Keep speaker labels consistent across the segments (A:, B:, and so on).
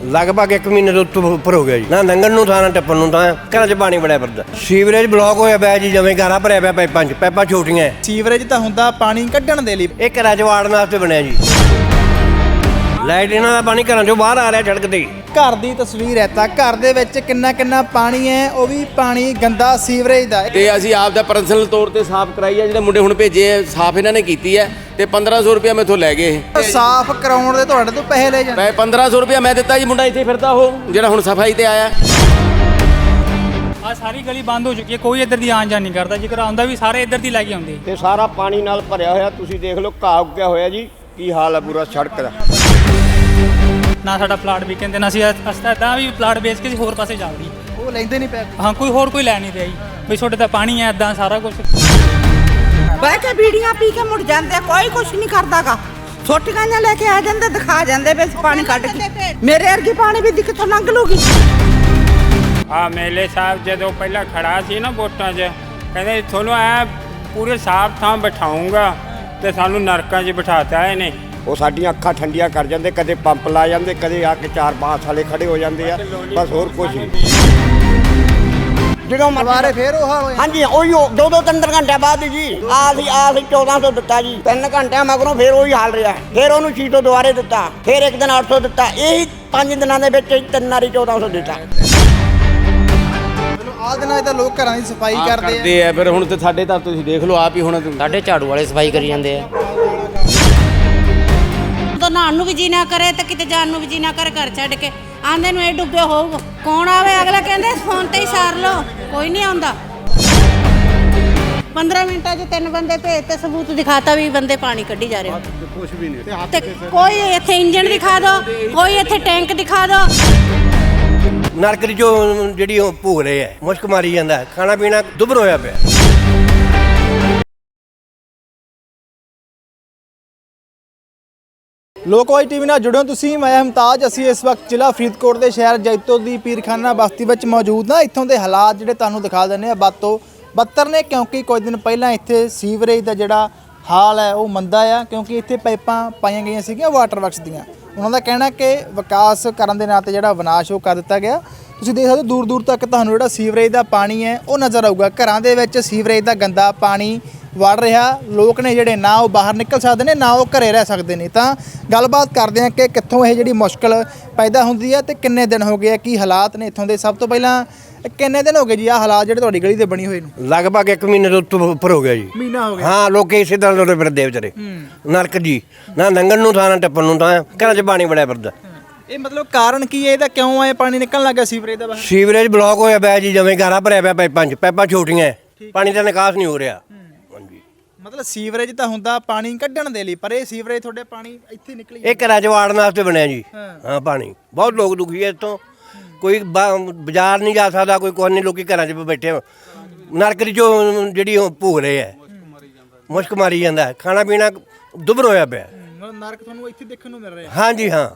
A: ਲਗਭਗ 1 ਮਹੀਨੇ ਤੋਂ ਉੱਪਰ ਹੋ ਗਿਆ ਜੀ। ਨਾ ਲੰਘਣ ਨੂੰ ਥਾਂ ਨਾ ਟੱਪਣ ਨੂੰ ਥਾਂ, ਘਰਾਂ 'ਚ ਪਾਣੀ ਬੜਿਆ ਫਿਰਦਾ। ਸੀਵਰੇਜ ਬਲੌਕ ਹੋਇਆ ਪਿਆ ਜੀ, ਜਿਵੇਂ ਘਰਾਂ ਭਰਿਆ ਪਿਆ ਪਾਈਪਾਂ 'ਚ। ਪਾਈਪਾਂ ਛੋਟੀਆਂ।
B: ਸੀਵਰੇਜ ਤਾਂ ਹੁੰਦਾ ਪਾਣੀ ਕੱਢਣ ਦੇ ਲਈ,
A: ਇਹ ਘਰਾਂ 'ਚ ਵਾੜਨ ਵਾਸਤੇ ਬਣਿਆ ਜੀ। ਲਾਈਟ ਇਹਨਾਂ ਦਾ ਪਾਣੀ ਘਰਾਂ 'ਚੋਂ ਬਾਹਰ ਆ ਰਿਹਾ ਸੜਕ ਤੇ।
B: ਘਰ ਦੀ ਤਸਵੀਰ ਹੈ ਤਾਂ ਘਰ ਦੇ ਵਿੱਚ ਕਿੰਨਾ ਪਾਣੀ ਹੈ, ਉਹ ਵੀ ਪਾਣੀ ਗੰਦਾ ਸੀਵਰੇਜ ਦਾ।
C: ਤੇ ਅਸੀਂ ਆਪ ਦਾ ਪਰਸਨਲ ਤੌਰ ਤੇ ਸਾਫ਼ ਕਰਾਈ ਹੈ। ਜਿਹੜੇ ਮੁੰਡੇ ਹੁਣ ਭੇਜੇ ਆ, ਸਾਫ਼ ਇਹਨਾਂ ਨੇ ਕੀਤੀ ਹੈ ਤੇ 1500 ਰੁਪਇਆ ਮੈਥੋਂ ਲੈ ਗਏ।
B: ਸਾਫ਼ ਕਰਾਉਣ ਦੇ ਤੁਹਾਡੇ ਤੋਂ ਪੈਸੇ ਲੈ ਜਾਂਦੇ।
C: ਮੈਂ 1500 ਰੁਪਇਆ ਮੈਂ ਦਿੱਤਾ ਜੀ। ਮੁੰਡਾ ਇੱਥੇ ਫਿਰਦਾ ਉਹ ਜਿਹੜਾ ਹੁਣ ਸਫਾਈ ਤੇ ਆਇਆ।
D: ਆ ਸਾਰੀ ਗਲੀ ਬੰਦ ਹੋ ਚੁੱਕੀ ਹੈ, ਕੋਈ ਇੱਧਰ ਦੀ ਆਉਣ ਜਾਣ ਨਹੀਂ ਕਰਦਾ। ਜੇਕਰ ਆਉਂਦਾ ਵੀ ਸਾਰੇ ਇੱਧਰ ਦੀ ਲੈ ਕੇ ਆਉਂਦੇ।
A: ਤੇ ਸਾਰਾ ਪਾਣੀ ਨਾਲ ਭਰਿਆ ਹੋਇਆ, ਤੁਸੀਂ ਦੇਖ ਲਓ ਘਾਹ ਉੱਗਿਆ ਹੋਇਆ ਜੀ। ਕੀ ਹਾਲ ਹੈ ਪੂਰਾ ਸੜਕ ਦਾ।
D: ਨਾ ਸਾਡਾ ਪਲਾਟ ਵੀ ਕਹਿੰਦੇ ਨਾ, ਅਸੀਂ ਤਾਂ ਵੀ ਪਲਾਟ ਵੇਚ ਕੇ ਹੋਰ ਪਾਸੇ ਜਾ ਵੜੀ।
B: ਉਹ ਲੈਂਦੇ ਨਹੀਂ ਪੈਸੇ।
D: ਹਾਂ, ਕੋਈ ਲੈ ਨਹੀਂ ਰਿਹਾ ਜੀ ਵੀ ਤੁਹਾਡੇ ਤਾਂ ਪਾਣੀ ਹੈ, ਇਦਾਂ ਸਾਰਾ ਕੁਝ।
E: ਬਹਿ ਕੇ ਬੀੜੀਆਂ ਪੀ ਕੇ ਮੁੜ ਜਾਂਦੇ, ਕੋਈ ਕੁਛ ਨਹੀਂ ਕਰਦਾਗਾ। ਛੋਟੀਆਂ ਜਿਹਾ ਲੈ ਕੇ ਆ ਜਾਂਦੇ, ਦਿਖਾ ਜਾਂਦੇ ਵੀ ਪਾਣੀ ਕੱਢ ਕੇ। ਮੇਰੇ ਵਰਗੀ ਪਾਣੀ ਵੀ ਕਿੱਥੋਂ ਲੰਘ ਲੂਗੀ।
F: ਆ ਮੇਲੇ ਸਾਹਿਬ ਜਦੋਂ ਪਹਿਲਾਂ ਖੜਾ ਸੀ ਨਾ ਵੋਟਾਂ 'ਚ, ਕਹਿੰਦੇ ਤੁਹਾਨੂੰ ਐ ਪੂਰੇ ਸਾਫ਼ ਥਾਂ ਬਿਠਾਉਂਗਾ, ਤੇ ਸਾਨੂੰ ਨਰਕਾਂ 'ਚ ਬਿਠਾਤਾ ਇਹਨੇ।
A: ਉਹ ਸਾਡੀਆਂ ਅੱਖਾਂ ਠੰਡੀਆਂ ਕਰ ਜਾਂਦੇ। ਕਦੇ ਪੰਪ ਲਾ ਜਾਂਦੇ, ਕਦੇ ਆ ਕੇ 4 ਬਾਂਸ ਵਾਲੇ ਖੜੇ ਹੋ ਜਾਂਦੇ ਆ। ਬਸ ਹੋਰ ਕੁਝ ਨਹੀਂ।
G: ਜਦੋਂ
B: ਦੁਬਾਰੇ ਫੇਰ ਉਹ ਹਾਲ ਹੋਇਆ।
G: ਹਾਂਜੀ ਉਹੀ 2-3 ਘੰਟੇ ਬਾਅਦ ਜੀ ਆ ਸੀ 1400 ਦਿੱਤਾ ਜੀ। 3 ਘੰਟਿਆਂ ਮਗਰੋਂ ਫੇਰ ਉਹੀ ਹਾਲ ਰਿਹਾ। ਫੇਰ ਉਹਨੂੰ 600 ਦੁਬਾਰੇ ਦਿੱਤਾ, ਫੇਰ ਇੱਕ ਦਿਨ 800 ਦਿੱਤਾ। ਇਹੀ 5 ਦਿਨਾਂ ਦੇ ਵਿੱਚ 3 ਵਾਰੀ 1400 ਦਿੱਤਾ।
B: ਆਹ ਦਿਨਾਂ 'ਚ ਤਾਂ ਲੋਕ ਘਰਾਂ ਦੀ ਸਫਾਈ ਕਰਦੇ
C: ਆ। ਫਿਰ ਹੁਣ ਤੇ ਸਾਡੇ ਤਾਂ ਤੁਸੀਂ ਦੇਖ ਲਓ ਆਪ ਹੀ। ਹੁਣ
H: ਸਾਡੇ ਝਾੜੂ ਵਾਲੇ ਸਫਾਈ ਕਰੀ ਜਾਂਦੇ ਆ।
E: ਤਾਂ ਨਹਾਉਣ ਨੂੰ ਵੀ ਜੀ ਨਾ ਕਰੇ ਤੇ ਕਿਤੇ ਜਾਣ ਨੂੰ ਵੀ ਜੀ ਨਾ ਕਰੇ, ਘਰ ਛੱਡ ਕੇ ਆਂਦੇ ਨੂੰ ਇਹ ਡੁੱਬੇ ਹੋਊਗਾ। ਕੌਣ ਆਵੇ? ਅਗਲਾ ਕਹਿੰਦੇ ਫੋਨ ਤੇ ਹੀ ਸਾਰ ਲਓ, ਕੋਈ ਨਹੀਂ ਆਉਂਦਾ। 15 ਮਿੰਟਾਂ 'ਚ 3 ਬੰਦੇ ਭੇਜ ਤੇ ਸਬੂਤ ਦਿਖਾਤਾ ਵੀ ਬੰਦੇ ਪਾਣੀ ਕੱਢੀ ਜਾ ਰਹੇ। ਕੁਝ ਵੀ ਨਹੀਂ। ਤੇ ਕੋਈ ਇੱਥੇ ਇੰਜਣ ਦਿਖਾ ਦਿਓ, ਕੋਈ ਇੱਥੇ ਟੈਂਕ ਦਿਖਾ ਦਿਓ।
A: ਨਰਕ ਦੀ ਜੋ ਜਿਹੜੀ ਉਹ ਭੋਗ ਰਹੇ ਆ, ਮੁਸ਼ਕ ਮਾਰੀ ਜਾਂਦਾ। ਖਾਣਾ ਪੀਣਾ ਦੁੱਭਰ ਹੋਇਆ ਪਿਆ।
B: ਲੋਕਵਾਈ ਟੀਵੀ ਨਾਲ ਜੁੜਿਓ ਤੁਸੀਂ। ਮੈਂ ਮੁਮਤਾਜ। ਅਸੀਂ ਇਸ ਵਕਤ ਜ਼ਿਲ੍ਹਾ ਫਰੀਦਕੋਟ ਦੇ ਸ਼ਹਿਰ ਜੈਤੋ ਦੀ ਪੀਰਖਾਨਾ ਬਸਤੀ ਵਿੱਚ ਮੌਜੂਦ ਹਾਂ। ਇੱਥੋਂ ਦੇ ਹਾਲਾਤ ਜਿਹੜੇ ਤੁਹਾਨੂੰ ਦਿਖਾ ਦਿੰਦੇ ਆ, ਵੱਧ ਤੋਂ ਬੱਤਰ ਨੇ, ਕਿਉਂਕਿ ਕੁਝ ਦਿਨ ਪਹਿਲਾਂ ਇੱਥੇ ਸੀਵਰੇਜ ਦਾ ਜਿਹੜਾ ਹਾਲ ਹੈ ਉਹ ਮੰਦਾ ਆ। ਕਿਉਂਕਿ ਇੱਥੇ ਪਾਈਪਾਂ ਪਾਈਆਂ ਗਈਆਂ ਸੀਗੀਆਂ ਵਾਟਰ ਵਰਕਸ ਦੀਆਂ। ਉਹਨਾਂ ਦਾ ਕਹਿਣਾ ਕਿ ਵਿਕਾਸ ਕਰਨ ਦੇ ਨਾਂ 'ਤੇ ਜਿਹੜਾ ਵਿਨਾਸ਼ ਉਹ ਕਰ ਦਿੱਤਾ ਗਿਆ। ਤੁਸੀਂ ਦੇਖ ਸਕਦੇ ਹੋ ਦੂਰ ਦੂਰ ਤੱਕ ਤੁਹਾਨੂੰ ਜਿਹੜਾ ਸੀਵਰੇਜ ਦਾ ਪਾਣੀ ਹੈ ਉਹ ਨਜ਼ਰ ਆਊਗਾ। ਘਰਾਂ ਦੇ ਵਿੱਚ ਸੀਵਰੇਜ ਦਾ ਗੰਦਾ ਪਾਣੀ ਵੜ ਰਿਹਾ। ਲੋਕ ਨੇ ਜਿਹੜੇ ਨਾ ਉਹ ਬਾਹਰ ਨਿਕਲ ਸਕਦੇ ਨੇ, ਨਾ ਉਹ ਘਰੇ ਰਹਿ ਸਕਦੇ ਨੇ। ਤਾਂ ਗੱਲਬਾਤ ਕਰਦੇ ਹਾਂ ਕਿ ਕਿੱਥੋਂ ਇਹ ਜਿਹੜੀ ਮੁਸ਼ਕਲ ਪੈਦਾ ਹੁੰਦੀ ਹੈ ਤੇ ਕਿੰਨੇ ਦਿਨ ਹੋ ਗਏ ਆ, ਕੀ ਹਾਲਾਤ ਨੇ ਇੱਥੋਂ ਦੇ। ਸਭ ਤੋਂ ਪਹਿਲਾਂ ਕਿੰਨੇ ਦਿਨ ਹੋ ਗਏ ਜੀ ਆਹ ਹਾਲਾਤ ਜਿਹੜੇ ਤੁਹਾਡੀ ਗਲੀ ਦੇ ਬਣੀ ਹੋਏ ਨੂੰ?
A: ਲਗਭਗ 1 ਮਹੀਨੇ ਤੋਂ ਉੱਪਰ ਹੋ ਗਿਆ ਜੀ।
B: ਮਹੀਨਾ ਹੋ ਗਿਆ।
A: ਹਾਂ, ਲੋਕੀ ਇਸੇ ਤਰ੍ਹਾਂ ਲੋੜੇ ਫਿਰਦੇ ਵਿਚਾਰੇ। ਨਰਕ ਜੀ। ਨਾ ਲੰਘਣ ਨੂੰ ਥਾਂ ਨਾ ਟੱਪਣ ਨੂੰ ਥਾਂ, ਘਰਾਂ 'ਚ ਪਾਣੀ ਬੜਿਆ ਫਿਰਦਾ।
B: ਇਹ ਮਤਲਬ ਕਾਰਨ ਕੀ ਹੈ ਇਹਦਾ? ਕਿਉਂ ਆਏ ਪਾਣੀ ਨਿਕਲਣ ਲੱਗਾ ਸੀਵਰੇਜ ਦਾ ਬਾਹਰ?
A: ਸੀਵਰੇਜ ਬਲੌਕ ਹੋਇਆ ਪਿਆ ਜੀ, ਜਿਵੇਂ ਘਰਾਂ ਭਰਿਆ ਪਿਆ ਪਾਈਪਾਂ 'ਚ। ਪਾਈਪਾਂ ਛੋਟੀਆਂ। ਪਾਣੀ ਦਾ ਨਿਕਾਸ ਨਹੀਂ ਹੋ ਰਿਹਾ। ਹਾਂਜੀ।
B: ਮਤਲਬ ਸੀਵਰੇਜ ਤਾਂ ਹੁੰਦਾ ਪਾਣੀ ਕੱਢਣ ਦੇ ਲਈ, ਪਰ ਇਹ ਸੀਵਰੇਜ ਤੁਹਾਡੇ ਪਾਣੀ ਇੱਥੇ ਨਿਕਲੀ।
A: ਇਹ ਘਰਾਂ 'ਚ ਵਾੜਨ ਵਾਸਤੇ ਬਣਿਆ ਜੀ। ਹਾਂ, ਪਾਣੀ ਬਹੁਤ ਲੋਕ ਦੁਖੀ ਹੈ ਇੱਥੋਂ। ਕੋਈ ਬਾਜ਼ਾਰ ਨਹੀਂ ਜਾ ਸਕਦਾ, ਕੋਈ ਕੁਝ ਨਹੀਂ। ਲੋਕੀ ਘਰਾਂ 'ਚ ਬੈਠੇ। ਨਰਕ ਦੀ ਜੋ ਜਿਹੜੀ ਉਹ ਭੋਗ ਰਹੇ ਆ, ਮੁਸ਼ਕ ਮਾਰੀ ਜਾਂਦਾ। ਖਾਣਾ ਪੀਣਾ ਦੁੱਭਰ ਹੋਇਆ ਪਿਆ।
B: ਨਰਕ ਤੁਹਾਨੂੰ ਇੱਥੇ ਦੇਖਣ ਨੂੰ ਮਿਲ ਰਿਹਾ।
A: ਹਾਂਜੀ ਹਾਂ।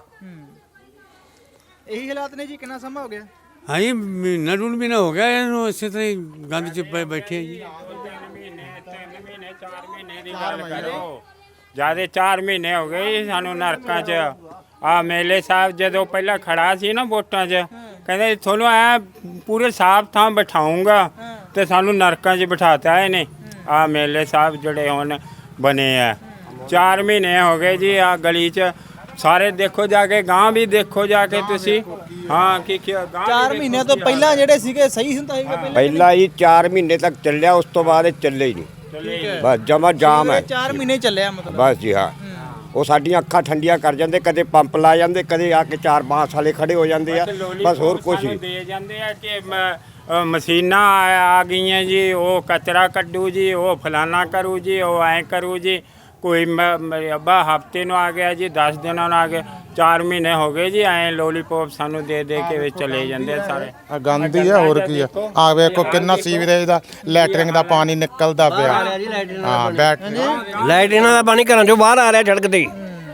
B: ਇਹੀ ਹਾਲਾਤ ਨੇ ਜੀ। ਕਿੰਨਾ ਸਮਾਂ ਹੋ ਗਿਆ?
I: ਹਾਂਜੀ, ਮਹੀਨਾ ਡੂਢ ਮਹੀਨਾ ਹੋ ਗਿਆ ਇਹਨੂੰ ਇਸੇ ਤਰ੍ਹਾਂ ਹੀ ਗੰਦ 'ਚ ਬੈਠੇ ਆ ਜੀ।
F: 3 ਮਹੀਨੇ 4 ਮਹੀਨੇ ਦੀ ਗੱਲ ਕਰੋ। ਜਿਆਦੇ 4 ਮਹੀਨੇ ਹੋ ਗਏ ਸਾਨੂੰ ਨਰਕਾਂ 'ਚ। ਆ ਮੇਲੇ ਸਾਹਿਬ ਜਦੋਂ ਪਹਿਲਾਂ ਖੜਾ ਸੀ ਨਾ ਵੋਟਾਂ 'ਚ, ਕਹਿੰਦੇ ਤੁਹਾਨੂੰ ਐ ਪੂਰੇ ਸਾਫ਼ ਥਾਂ ਬਿਠਾਉਂਗਾ, ਤੇ ਸਾਨੂੰ ਨਰਕਾਂ 'ਚ ਬਿਠਾਤਾ ਇਹਨੇ। ਆ ਮੇਲੇ ਸਾਹਿਬ ਜਿਹੜੇ ਹੁਣ ਬਣੇ ਆ, 4 ਮਹੀਨੇ ਹੋ ਗਏ ਜੀ। ਆ ਗਲੀ 'ਚ ਸਾਰੇ ਦੇਖੋ ਜਾ ਕੇ, ਗਾਂ ਵੀ ਦੇਖੋ ਜਾ ਕੇ ਤੁਸੀਂ। ਹਾਂ, ਕੀ
B: 4 ਮਹੀਨਿਆਂ ਤੋਂ ਪਹਿਲਾਂ ਜਿਹੜੇ ਸੀਗੇ ਸਹੀ ਹੁੰਦਾ ਸੀਗਾ
A: ਪਹਿਲਾਂ ਹੀ 4 ਮਹੀਨੇ ਤੱਕ ਚੱਲਿਆ, ਉਸ ਤੋਂ ਬਾਅਦ ਇਹ ਚੱਲੇ ਹੀ ਨਹੀਂ। ਬਸ ਜਮਾ ਜਾਮ ਹੈ।
B: 4 ਮਹੀਨੇ ਚੱਲਿਆ ਮਤਲਬ।
A: ਬਸ ਜੀ ਹਾਂ। ਉਹ ਸਾਡੀਆਂ ਅੱਖਾਂ ਠੰਡੀਆਂ ਕਰ ਜਾਂਦੇ। ਕਦੇ ਪੰਪ ਲਾ ਜਾਂਦੇ, ਕਦੇ ਆ ਕੇ 4 ਬਾਂਸ ਵਾਲੇ ਖੜੇ ਹੋ ਜਾਂਦੇ ਆ। ਬਸ ਹੋਰ ਕੁਝ ਨਹੀਂ।
F: ਦੇ ਜਾਂਦੇ ਆ ਕਿ ਮਸ਼ੀਨਾਂ ਆ ਗਈਆਂ ਜੀ, ਉਹ ਕਚਰਾ ਕੱਢੂ ਜੀ, ਉਹ ਫਲਾਨਾ ਕਰੂ ਜੀ, ਉਹ ਐਂ ਕਰੂ ਜੀ। ਕੋਈ ਅੱਬਾ ਹਫਤੇ ਨੂੰ ਆ ਗਿਆ ਜੀ, 10 ਦਿਨਾਂ ਨੂੰ ਆ ਗਿਆ। 4 ਮਹੀਨੇ ਹੋ ਗਏ ਜੀ। ਐਂ ਲੋਲੀਪੋਪ ਸਾਨੂੰ ਦੇ ਕੇ ਵਿੱਚ ਚਲੇ ਜਾਂਦੇ ਸਾਰੇ।
J: ਗੰਦ ਹੀ ਆ, ਹੋਰ ਕੀ ਆ। ਆ ਵੇਖੋ ਕਿੰਨਾ ਸੀਵਰੇਜ ਦਾ ਲੈਟਰਿੰਗ ਦਾ ਪਾਣੀ ਨਿਕਲਦਾ ਪਿਆ। ਹਾਂ,
A: ਲਾਈਟ ਇਹਨਾਂ ਦਾ ਪਾਣੀ ਘਰਾਂ 'ਚੋਂ ਬਾਹਰ ਆ ਰਿਹਾ ਸੜਕ ਤੇ।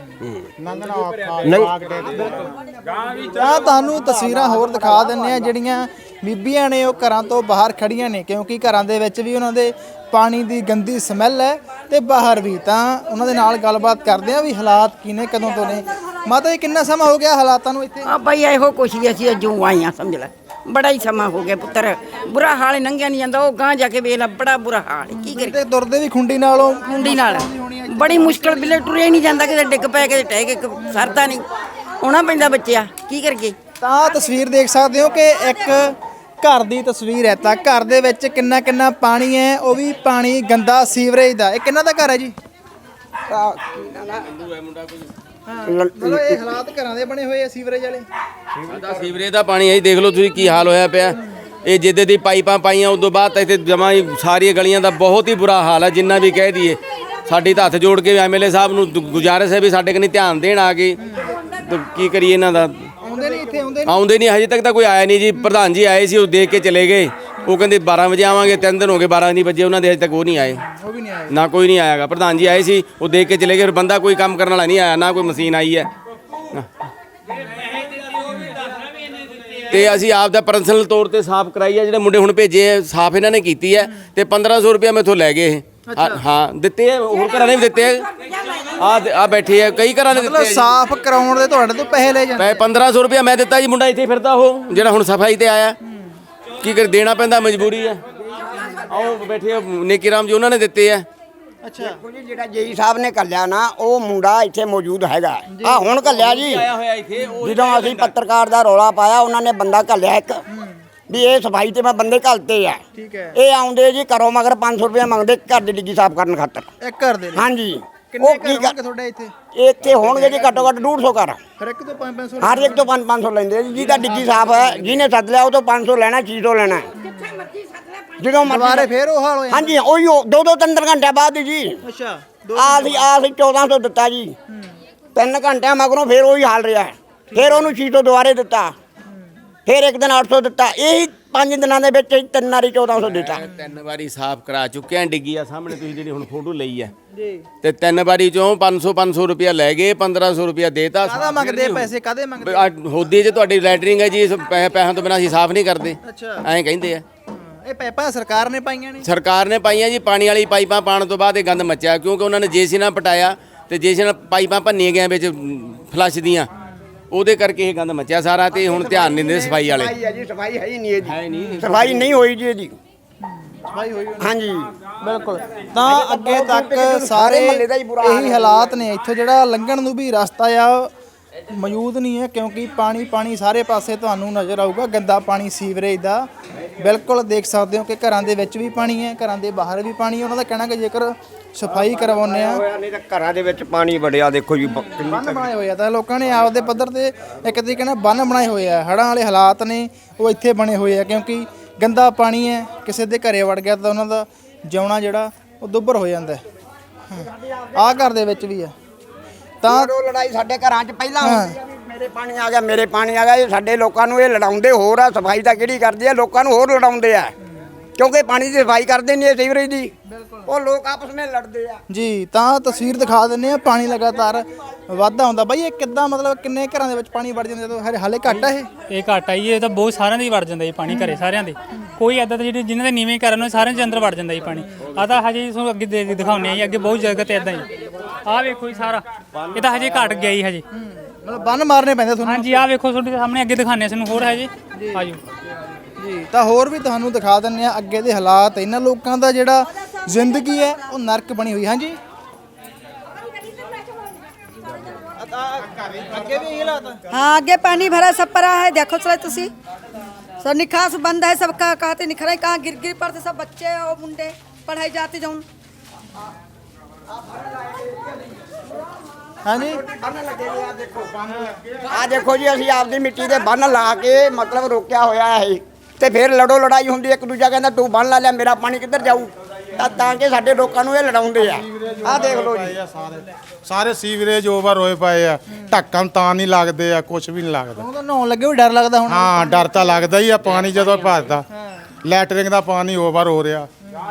B: ਤੁਹਾਨੂੰ ਤਸਵੀਰਾਂ ਹੋਰ ਦਿਖਾ ਦਿੰਦੇ ਆ ਜਿਹੜੀਆਂ ਬੀਬੀਆਂ ਨੇ ਉਹ ਘਰਾਂ ਤੋਂ ਬਾਹਰ ਖੜੀਆਂ ਨੇ, ਕਿਉਂਕਿ ਘਰਾਂ ਦੇ ਵਿੱਚ ਵੀ ਉਹਨਾਂ ਦੇ ਪਾਣੀ ਦੀ ਗੰਦੀ ਸਮੈਲ ਹੈ ਤੇ ਬਾਹਰ ਵੀ। ਤਾਂ ਉਹਨਾਂ ਦੇ ਨਾਲ ਗੱਲਬਾਤ ਕਰਦੇ ਆ ਵੀ ਹਾਲਾਤ ਕੀ ਨੇ, ਕਦੋਂ ਤੋਂ ਨੇ। ਮਾਤਾ ਜੀ ਕਿੰਨਾ ਸਮਾਂ ਹੋ ਗਿਆ ਹਾਲਾਤਾਂ ਨੂੰ ਇੱਥੇ?
E: ਆ ਬਈ ਇਹੋ ਕੁਛ ਹੀ ਅਸੀਂ ਜੋ ਆਈਆਂ ਸਮਝ ਲੈ, ਬੜਾ ਹੀ ਸਮਾਂ ਹੋ ਗਿਆ ਪੁੱਤਰ, ਬੁਰਾ ਹਾਲ ਲੰਘਿਆ ਨਹੀਂ ਜਾਂਦਾ। ਉਹ ਗਾਂ ਜਾ ਕੇ ਵੇਖ ਲੈ, ਬੜਾ ਬੁਰਾ ਹਾਲ ਕੀ ਕਰੀਏ।
B: ਤੇ ਤੁਰਦੇ ਵੀ ਖੁੰਡੀ ਨਾਲੋਂ
E: ਮੁੰਡੀ ਨਾਲ ਬੜੀ ਮੁਸ਼ਕਲ ਬਿਲੇ ਟੁਰਿਆ ਹੀ ਨਹੀਂ ਜਾਂਦਾ, ਕਿਤੇ ਡਿੱਗ ਪਏ ਕਿਤੇ ਟਹਿ ਕੇ ਸਰਦਾ ਨਹੀਂ, ਆਉਣਾ ਪੈਂਦਾ ਬੱਚਿਆ, ਕੀ ਕਰੀਏ।
B: ਤਾਂ ਤਸਵੀਰ ਦੇਖ ਸਕਦੇ ਹੋ ਕਿ ਇੱਕ ਘਰ ਦੀ ਤਸਵੀਰ ਹੈ। ਤਾਂ ਘਰ ਦੇ ਵਿੱਚ ਕਿੰਨਾ ਕਿੰਨਾ ਪਾਣੀ ਹੈ, ਉਹ ਵੀ ਪਾਣੀ ਗੰਦਾ ਸੀਵਰੇਜ ਦਾ। ਇਹ ਕਿੰਨਾ ਦਾ ਘਰ ਹੈ ਜੀ? ਮਤਲਬ ਇਹ ਹਾਲਾਤ ਘਰਾਂ ਦੇ ਬਣੇ ਹੋਏ ਆ ਸੀਵਰੇਜ ਵਾਲੇ।
C: ਸੀਵਰੇਜ ਦਾ ਪਾਣੀ ਹੈ, ਦੇਖ ਲਓ ਤੁਸੀਂ ਕੀ ਹਾਲ ਹੋਇਆ ਪਿਆ। ਇਹ ਜਿੱਦੇ ਦੀ ਪਾਈਪਾਂ ਪਾਈਆਂ ਉਸ ਤੋਂ ਬਾਅਦ ਤਾਂ ਇੱਥੇ ਜਮਾਂ ਹੀ ਸਾਰੀਆਂ ਗਲੀਆਂ ਦਾ ਬਹੁਤ ਹੀ ਬੁਰਾ ਹਾਲ ਹੈ। ਜਿੰਨਾ ਵੀ ਕਹਿ ਦਈਏ, ਸਾਡੀ ਤਾਂ ਹੱਥ ਜੋੜ ਕੇ ਐਮਐਲਏ ਸਾਹਿਬ ਨੂੰ ਗੁਜ਼ਾਰਿਸ਼ ਹੈ ਵੀ ਸਾਡੇ ਕਨੀ ਧਿਆਨ ਦੇਣ ਆ ਕੇ। ਕੀ ਕਰੀਏ ਇਹਨਾਂ ਦਾ,
B: ਆਉਂਦੇ ਨਹੀਂ ਇੱਥੇ,
C: ਆਉਂਦੇ ਨਹੀਂ। ਹਜੇ ਤੱਕ ਤਾਂ ਕੋਈ ਆਇਆ ਨਹੀਂ ਜੀ। ਪ੍ਰਧਾਨ ਜੀ ਆਏ ਸੀ, ਉਹ ਦੇਖ ਕੇ ਚਲੇ ਗਏ। ਉਹ ਕਹਿੰਦੇ 12 ਵਜੇ ਆਵਾਂਗੇ, 3 ਦਿਨ ਹੋ ਗਏ 12 ਨਹੀਂ ਵਜੇ ਉਹਨਾਂ ਦੇ, ਹਜੇ ਤੱਕ ਉਹ ਨਹੀਂ ਆਏ।
B: ਉਹ ਵੀ ਨਹੀਂ ਆਏ
C: ਨਾ ਕੋਈ ਨਹੀਂ ਆਇਆਗਾ। ਪ੍ਰਧਾਨ ਜੀ ਆਏ ਸੀ, ਉਹ ਦੇਖ ਕੇ ਚਲੇ ਗਏ। ਬੰਦਾ ਕੋਈ ਕੰਮ ਕਰਨ ਵਾਲਾ ਨਹੀਂ ਆਇਆ, ਨਾ ਕੋਈ ਮਸ਼ੀਨ ਆਈ ਹੈ। ਤੇ ਅਸੀਂ ਆਪ ਦਾ ਪਰਸਨਲ ਤੌਰ ਤੇ ਸਾਫ਼ ਕਰਾਈ ਹੈ। ਜਿਹੜੇ ਮੁੰਡੇ ਹੁਣ ਭੇਜੇ ਆ, ਸਾਫ਼ ਇਹਨਾਂ ਨੇ ਕੀਤੀ ਹੈ। ਤੇ 1500 ਰੁਪਇਆ ਮੈਥੋਂ ਲੈ ਗਏ ਇਹ। ਹਾਂ ਦਿੱਤੇ ਆ, ਹੋਰ ਘਰਾਂ ਨੇ ਵੀ ਦਿੱਤੇ ਆ। ਆ ਬੈਠੇ ਆ, ਕਈ ਘਰਾਂ ਨੇ ਦਿੱਤੇ ਆ
B: ਮਤਲਬ
C: ਜੀ।
B: ਸਾਫ਼ ਕਰਾਉਣ ਦੇ ਤੁਹਾਡੇ ਤੋਂ ਪੈਸੇ ਲੈ ਜਾਂਦੇ?
C: 1500 ਰੁਪਇਆ ਮੈਂ ਦਿੱਤਾ ਜੀ। ਮੁੰਡਾ ਇੱਥੇ ਫਿਰਦਾ, ਉਹ ਜਿਹੜਾ ਹੁਣ ਸਫਾਈ ਤੇ ਆਇਆ। ਕੀ ਕਰ, ਦੇਣਾ ਪੈਂਦਾ, ਮਜਬੂਰੀ ਹੈ। ਆਓ ਬੈਠੇ ਆ ਨੇਕੀ ਰਾਮ ਜੀ, ਉਹਨਾਂ ਨੇ ਦਿੱਤੇ ਆ।
B: ਅੱਛਾ,
G: ਜਿਹੜਾ ਜੇਈ ਸਾਹਿਬ ਨੇ ਘੱਲਿਆ ਨਾ, ਉਹ ਮੁੰਡਾ ਇੱਥੇ ਮੌਜੂਦ ਹੈਗਾ। ਆ ਹੁਣ ਘੱਲਿਆ ਜੀ, ਜਦੋਂ ਅਸੀਂ ਪੱਤਰਕਾਰ ਦਾ ਰੌਲਾ ਪਾਇਆ, ਉਹਨਾਂ ਨੇ ਬੰਦਾ ਘੱਲਿਆ ਇੱਕ ਵੀ ਇਹ ਸਫਾਈ ਤੇ ਮੈਂ ਬੰਦੇ ਘੱਲਤੇ ਆ।
B: ਠੀਕ ਹੈ।
G: ਇਹ ਆਉਂਦੇ ਜੀ ਘਰੋਂ ਮਗਰ 500 ਰੁਪਏ ਮੰਗਦੇ ਘਰ ਦੀ ਡਿੱਗੀ ਸਾਫ਼ ਕਰਨ ਖਾਤਰ।
B: ਇੱਕ ਘਰ ਦੇ ਲਈ?
G: ਹਾਂਜੀ।
B: ਕਿੰਨੇ
G: ਉਹ
B: ਘਰ
G: ਕੀ
B: ਹੋਣਗੇ ਤੁਹਾਡੇ ਇੱਥੇ?
G: ਇੱਥੇ ਹੋਣਗੇ ਜੀ ਘੱਟੋ ਘੱਟ 150 ਘਰ।
B: ਹਰ ਇੱਕ ਤੋਂ 500?
G: ਹਰ ਇੱਕ ਤੋਂ 500 ਲੈਂਦੇ ਜੀ। ਜਿਹਦਾ ਡਿੱਗੀ ਸਾਫ਼ ਹੈ, ਜਿਹਨੇ ਸੱਦ ਲਿਆ ਉਹ ਤੋਂ 500 ਲੈਣਾ, 600 ਲੈਣਾ। ਜਦੋਂ
B: ਦੁਬਾਰੇ ਫੇਰ ਉਹ ਹਾਲ ਹੋ ਜਾਂਦਾ?
G: ਹਾਂਜੀ, ਉਹੀ 2-3 ਘੰਟੇ ਬਾਅਦ ਜੀ।
B: ਅੱਛਾ,
G: ਅਸੀਂ 1400 ਦਿੱਤਾ ਜੀ। 3 ਘੰਟਿਆਂ ਮਗਰੋਂ ਫੇਰ ਉਹੀ ਹਾਲ ਰਿਹਾ। ਫੇਰ ਉਹਨੂੰ 600 ਦੁਬਾਰੇ ਦਿੱਤਾ, ਫੇਰ ਇੱਕ ਦਿਨ 800 ਦਿੱਤਾ। ਇਹੀ 5 ਦਿਨਾਂ ਦੇ ਵਿੱਚ 3 ਵਾਰੀ 1400 ਦਿੱਤਾ।
C: 3 ਵਾਰੀ ਸਾਫ਼ ਕਰਾ ਚੁੱਕੇ ਆ। ਡਿੱਗੀ ਆ ਸਾਹਮਣੇ ਤੁਸੀਂ ਜਿਹੜੀ ਹੁਣ ਫੋਟੋ ਲਈ ਹੈ ਜੀ। ਤੇ 3 ਵਾਰੀ ਚੋਂ 500 ਰੁਪਇਆ ਲੈ ਗਏ, 1500 ਰੁਪਇਆ ਦੇਤਾ।
B: ਕਾਹਦਾ ਮੰਗਦੇ ਪੈਸੇ, ਕਾਹਦੇ ਮੰਗਦੇ?
C: ਹੋਦੀ 'ਚ ਤੁਹਾਡੀ ਲੈਟਰਿੰਗ ਹੈ ਜੀ, ਪੈਸਿਆਂ ਤੋਂ ਬਿਨਾਂ ਅਸੀਂ ਸਾਫ਼ ਨਹੀਂ ਕਰਦੇ।
B: ਅੱਛਾ,
C: ਐਂ ਕਹਿੰਦੇ ਆ।
B: ਇਹ ਪਾਈਪਾਂ ਸਰਕਾਰ ਨੇ ਪਾਈਆਂ ਨੇ?
C: ਸਰਕਾਰ ਨੇ ਪਾਈਆਂ ਜੀ। ਪਾਣੀ ਵਾਲੀ ਪਾਈਪਾਂ ਪਾਉਣ ਤੋਂ ਬਾਅਦ ਇਹ ਗੰਦ ਮੱਚਿਆ, ਕਿਉਂਕਿ ਉਹਨਾਂ ਨੇ ਜੇਸੀ ਨਾਲ ਪਟਾਇਆ ਤੇ ਜੇਸੀ ਨਾਲ ਪਾਈਪਾਂ ਭੰਨੀਆਂ ਗਈਆਂ ਵਿੱਚ ਫਲੱਸ਼ ਦੀਆਂ, ਉਹਦੇ ਕਰਕੇ ਇਹ ਗੰਦ ਮੱਚਿਆ ਸਾਰਾ। ਤੇ ਹੁਣ ਧਿਆਨ ਨਹੀਂ ਦਿੰਦੇ ਸਫਾਈ ਵਾਲੇ।
G: ਸਫਾਈ ਹੈ ਹੀ ਨਹੀਂ ਇਹਦੀ, ਸਫਾਈ ਨਹੀਂ ਹੋਈ ਜੀ ਇਹਦੀ।
B: ਸਫਾਈ ਹੋਈ?
G: ਹਾਂਜੀ,
B: ਬਿਲਕੁਲ। ਤਾਂ ਅੱਗੇ ਤੱਕ ਸਾਰੇ ਇਹੀ ਹਾਲਾਤ ਨੇ। ਇੱਥੋਂ ਜਿਹੜਾ ਲੰਘਣ ਨੂੰ ਵੀ ਰਸਤਾ ਆ ਮੌਜੂਦ ਨਹੀਂ ਹੈ, ਕਿਉਂਕਿ ਪਾਣੀ ਸਾਰੇ ਪਾਸੇ ਤੁਹਾਨੂੰ ਨਜ਼ਰ ਆਊਗਾ। ਗੰਦਾ ਪਾਣੀ ਸੀਵਰੇਜ ਦਾ। ਬਿਲਕੁਲ ਦੇਖ ਸਕਦੇ ਹੋ ਕਿ ਘਰਾਂ ਦੇ ਵਿੱਚ ਵੀ ਪਾਣੀ ਹੈ, ਘਰਾਂ ਦੇ ਬਾਹਰ ਵੀ ਪਾਣੀ ਹੈ। ਉਹਨਾਂ ਦਾ ਕਹਿਣਾ ਕਿ ਜੇਕਰ ਸਫਾਈ ਕਰਵਾਉਂਦੇ ਆ,
G: ਨਹੀਂ ਤਾਂ ਘਰਾਂ ਦੇ ਵਿੱਚ ਪਾਣੀ ਵੜਿਆ। ਦੇਖੋ ਜੀ
B: ਬੰਨ ਬਣਾਏ ਹੋਏ ਆ। ਤਾਂ ਲੋਕਾਂ ਨੇ ਆਪਦੇ ਪੱਧਰ ਤੇ ਇੱਕ ਤਰੀਕੇ ਨਾਲ ਬੰਨ ਬਣਾਏ ਹੋਏ ਆ। ਹੜ੍ਹਾਂ ਵਾਲੇ ਹਾਲਾਤ ਨੇ ਉਹ ਇੱਥੇ ਬਣੇ ਹੋਏ ਆ, ਕਿਉਂਕਿ ਗੰਦਾ ਪਾਣੀ ਹੈ। ਕਿਸੇ ਦੇ ਘਰੇ ਵੜ ਗਿਆ ਤਾਂ ਉਹਨਾਂ ਦਾ ਜਿਉਣਾ ਜਿਹੜਾ ਉਹ ਦੁੱਭਰ ਹੋ ਜਾਂਦਾ। ਆਹ ਘਰ ਦੇ ਵਿੱਚ ਵੀ ਆ। ਤਾਂ
G: ਲੜਾਈ ਸਾਡੇ ਘਰਾਂ 'ਚ ਪਹਿਲਾਂ ਹੁੰਦੀ ਆ ਵੀ ਮੇਰੇ ਪਾਣੀ ਆ ਗਿਆ, ਮੇਰੇ ਪਾਣੀ ਆ ਗਿਆ। ਇਹ ਸਾਡੇ ਲੋਕਾਂ ਨੂੰ ਇਹ ਲੜਾਉਂਦੇ ਹੋਰ ਆ। ਸਫਾਈ ਤਾਂ ਕਿਹੜੀ ਕਰਦੇ ਆ, ਲੋਕਾਂ ਨੂੰ ਹੋਰ ਲੜਾਉਂਦੇ ਆ, ਕਿਉਂਕਿ ਪਾਣੀ ਦੀ ਸਫਾਈ ਕਰਦੇ ਨਹੀਂ ਇਹ ਸੀਵਰੇਜ ਦੀ। ਉਹ ਲੋਕ ਆਪਸ ਵਿੱਚ ਲੜਦੇ ਆ
B: ਜੀ। ਤਾਂ ਤਸਵੀਰ ਦਿਖਾ ਦਿੰਨੇ ਆ, ਪਾਣੀ ਲਗਾਤਾਰ ਵਾਧਾ ਹੁੰਦਾ। ਬਾਈ ਇਹ ਕਿੱਦਾਂ, ਮਤਲਬ ਕਿੰਨੇ ਘਰਾਂ ਦੇ ਵਿੱਚ ਪਾਣੀ ਵੜ ਜਾਂਦਾ ਜਦੋਂ? ਹਾਲੇ ਘੱਟ ਆ
D: ਇਹ ਘੱਟ ਆਈ, ਇਹ ਤਾਂ ਬਹੁਤ ਸਾਰਿਆਂ ਦੇ ਹੀ ਵੜ ਜਾਂਦਾ ਜੀ ਪਾਣੀ, ਘਰੇ ਸਾਰਿਆਂ ਦੇ। ਕੋਈ ਇੱਦਾਂ ਜਿਹੜੇ ਜਿਨ੍ਹਾਂ ਦੇ ਨੀਵੇਂ ਘਰ ਨੇ ਸਾਰਿਆਂ ਦੇ ਅੰਦਰ ਵੜ ਜਾਂਦਾ ਜੀ ਪਾਣੀ। ਆ ਤਾਂ ਹਜੇ ਤੁਹਾਨੂੰ ਅੱਗੇ ਦਿਖਾਉਂਦੇ ਆ ਜੀ, ਅੱਗੇ ਬਹੁਤ ਜਗ੍ਹਾ ਤੇ ਇੱਦਾਂ ਹੀ। ਆਹ ਵੇਖੋ ਜੀ ਸਾਰਾ, ਇਹ ਤਾਂ ਹਜੇ ਘਟ ਗਿਆ ਜੀ ਹਜੇ।
B: ਮਤਲਬ ਬੰਨ ਮਾਰਨੇ ਪੈਂਦੇ ਤੁਹਾਨੂੰ?
D: ਹਾਂਜੀ, ਆਹ ਵੇਖੋ ਤੁਹਾਡੇ ਸਾਹਮਣੇ ਅੱਗੇ ਦਿਖਾਉਂਦੇ ਸਾਨੂੰ ਹੋਰ ਹਜੇ। ਆਜੋ
B: ਜੀ। ਤਾਂ ਹੋਰ ਵੀ ਤੁਹਾਨੂੰ ਦਿਖਾ ਦਿੰਨੇ ਆ ਅੱਗੇ ਦੇ ਹਾਲਾਤ। ਇਹਨਾਂ ਲੋਕਾਂ ਦਾ ਜਿਹੜਾ ਜ਼ਿੰਦਗੀ ਹੈ ਉਹ ਨਰਕ ਬਣੀ ਹੋਈ। ਹਾਂਜੀ, ਅੱਗੇ ਵੀ ਇਹ ਹਾਲਾਤ?
E: हाँ आगे पानी भरा सब पड़ा है, देखो चले तुसी सब निकास बंद है, सबका कहते निखरा कहाँ गिर गिर पड़ते सब बच्चे और मुंडे पढ़ाई जाते जाऊन।
B: ਹਾਂਜੀ,
G: ਆ ਦੇਖੋ ਜੀ, ਅਸੀਂ ਆਪਦੀ ਮਿੱਟੀ ਦੇ ਬੰਨ ਲਾ ਕੇ ਮਤਲਬ ਰੋਕਿਆ ਹੋਇਆ ਹੈ। ਤੇ ਫਿਰ ਲੜੋ ਲੜਾਈ ਹੁੰਦੀ, ਇੱਕ ਦੂਜਾ ਕਹਿੰਦਾ ਤੂੰ ਬੰਨ ਲਾ ਲਿਆ, ਮੇਰਾ ਪਾਣੀ ਕਿੱਧਰ ਜਾਊ। ਤਾਂ ਕਿ ਸਾਡੇ ਲੋਕਾਂ ਨੂੰ ਇਹ ਲੜਾਉਂਦੇ ਆ। ਆਹ ਦੇਖ ਲਓ ਜੀ,
J: ਸਾਰੇ ਸੀਵਰੇਜ ਓਵਰ ਹੋਏ ਪਏ ਆ। ਢੱਕਣ ਤਾਂ ਨਹੀਂ ਲੱਗਦੇ ਆ, ਕੁਝ ਵੀ ਨਹੀਂ ਲੱਗਦਾ।
B: ਉਹ ਤਾਂ ਨਹਾਉਣ ਲੱਗੇ ਵੀ ਡਰ ਲੱਗਦਾ ਹੁਣ?
J: ਹਾਂ, ਡਰ ਤਾਂ ਲੱਗਦਾ ਹੀ ਆ। ਪਾਣੀ ਜਦੋਂ ਭਰਦਾ, ਲੈਟਰਿੰਗ ਦਾ ਪਾਣੀ ਓਵਰ ਹੋ ਰਿਹਾ।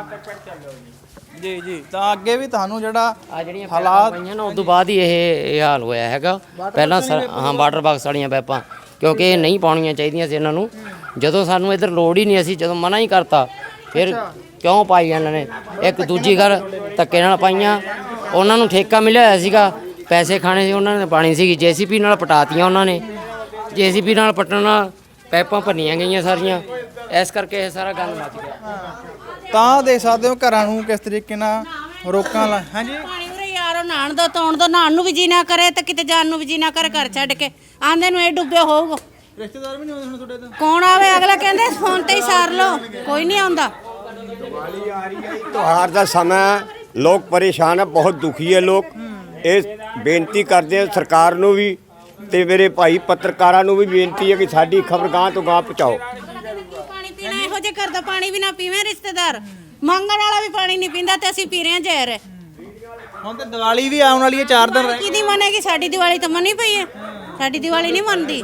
B: ਜੀ ਜੀ। ਤਾਂ ਅੱਗੇ ਵੀ ਤੁਹਾਨੂੰ ਜਿਹੜਾ
H: ਆ ਜਿਹੜੀਆਂ ਹਾਲਾਤ ਪਈਆਂ ਨਾ, ਉਸ ਤੋਂ ਬਾਅਦ ਹੀ ਇਹ ਹਾਲ ਹੋਇਆ ਹੈਗਾ। ਪਹਿਲਾਂ ਹਾਂ ਵਾਟਰ ਬਾਕਸ ਵਾਲੀਆਂ ਪਾਈਪਾਂ, ਕਿਉਂਕਿ ਇਹ ਨਹੀਂ ਪਾਉਣੀਆਂ ਚਾਹੀਦੀਆਂ ਸੀ ਇਹਨਾਂ ਨੂੰ। ਜਦੋਂ ਸਾਨੂੰ ਇੱਧਰ ਲੋੜ ਹੀ ਨਹੀਂ, ਅਸੀਂ ਜਦੋਂ ਮਨਾ ਹੀ ਕਰਤਾ, ਫਿਰ ਕਿਉਂ ਪਾਈ ਇਹਨਾਂ ਨੇ। ਇੱਕ ਦੂਜੀ ਘਰ ਧੱਕੇ ਨਾਲ ਪਾਈਆਂ। ਉਹਨਾਂ ਨੂੰ ਠੇਕਾ ਮਿਲਿਆ ਹੋਇਆ ਸੀਗਾ ਪੈਸੇ ਖਾਣੇ ਸੀ ਉਹਨਾਂ ਨੇ, ਪਾਣੀ ਸੀਗੀ ਜੀਸੀਪੀ ਨਾਲ ਪਟਾਤੀਆਂ ਉਹਨਾਂ ਨੇ। ਜੀਸੀਪੀ ਨਾਲ ਪੱਟਣ ਨਾਲ ਪਾਈਪਾਂ ਭੰਨੀਆਂ ਗਈਆਂ ਸਾਰੀਆਂ, ਇਸ ਕਰਕੇ ਇਹ ਸਾਰਾ ਗੰਦ ਮੱਚ ਗਿਆ।
B: ਤਾਂ ਦੇਖ ਸਕਦੇ ਹੋ ਘਰਾਂ ਨੂੰ ਕਿਸ ਤਰੀਕੇ ਨਾਲ ਰੋਕਾਂ ਲਾ। ਹਾਂਜੀ
K: ਪਾਣੀ ਉਰੇ ਯਾਰੋ ਨਹਾਣ ਦੋ, ਧੋਣ ਦੋ, ਨਹਾਣ ਨੂੰ ਵੀ ਜੀ ਨਾ ਕਰੇ ਤੇ ਕਿਤੇ ਜਾਣ ਨੂੰ ਵੀ ਜੀ ਨਾ ਕਰੇ, ਘਰ ਛੱਡ ਕੇ ਆਂਦੇ ਨੂੰ ਇਹ ਡੁੱਬਿਆ ਹੋਊਗਾ।
B: ਰਿਸ਼ਤੇਦਾਰ ਵੀ ਨਹੀਂ ਆਉਂਦੇ ਹੁਣ ਤੁਹਾਡੇ ਤੋਂ?
K: ਕੌਣ ਆਵੇ? ਅਗਲਾ ਕਹਿੰਦੇ ਫੋਨ ਤੇ ਹੀ ਸਾਰ ਲਓ, ਕੋਈ ਨਹੀਂ ਆਉਂਦਾ।
G: ਤਿਉਹਾਰ ਦਾ ਸਮਾਂ, ਲੋਕ ਪਰੇਸ਼ਾਨ ਹੈ, ਬਹੁਤ ਦੁਖੀ ਹੈ ਲੋਕ। ਇਹ ਬੇਨਤੀ ਕਰਦੇ ਆ ਸਰਕਾਰ ਨੂੰ ਵੀ ਤੇ ਮੇਰੇ ਭਾਈ ਪੱਤਰਕਾਰਾਂ ਨੂੰ ਵੀ ਬੇਨਤੀ ਹੈ ਕਿ ਸਾਡੀ ਖਬਰ ਗਾਂ ਤੋਂ ਗਾਂ ਪਹੁੰਚਾਓ।
K: ਪਾਣੀ ਪੀਣਾ ਇਹੋ ਜਿਹੇ ਘਰ ਦਾ ਪਾਣੀ ਵੀ ਨਾ ਪੀਵੇਂ ਰਿਸ਼ਤੇਦਾਰ, ਮੰਗਣ ਵਾਲਾ ਵੀ ਪਾਣੀ ਨਹੀਂ ਪੀਂਦਾ ਤੇ ਅਸੀਂ ਪੀ ਰਹੇ ਹਾਂ ਜ਼ਹਿਰ।
B: ਹੁਣ ਤੇ ਦੀਵਾਲੀ ਵੀ ਆਉਣ ਵਾਲੀ ਹੈ, 4 ਦਿਨ ਰਹਿ
K: ਕਿਹਦੀ ਮੰਨੇਗੀ? ਸਾਡੀ ਦੀਵਾਲੀ ਤਾਂ ਮੰਨੀ ਪਈ ਹੈ, ਸਾਡੀ ਦੀਵਾਲੀ ਨਹੀਂ ਮੰਨਦੀ।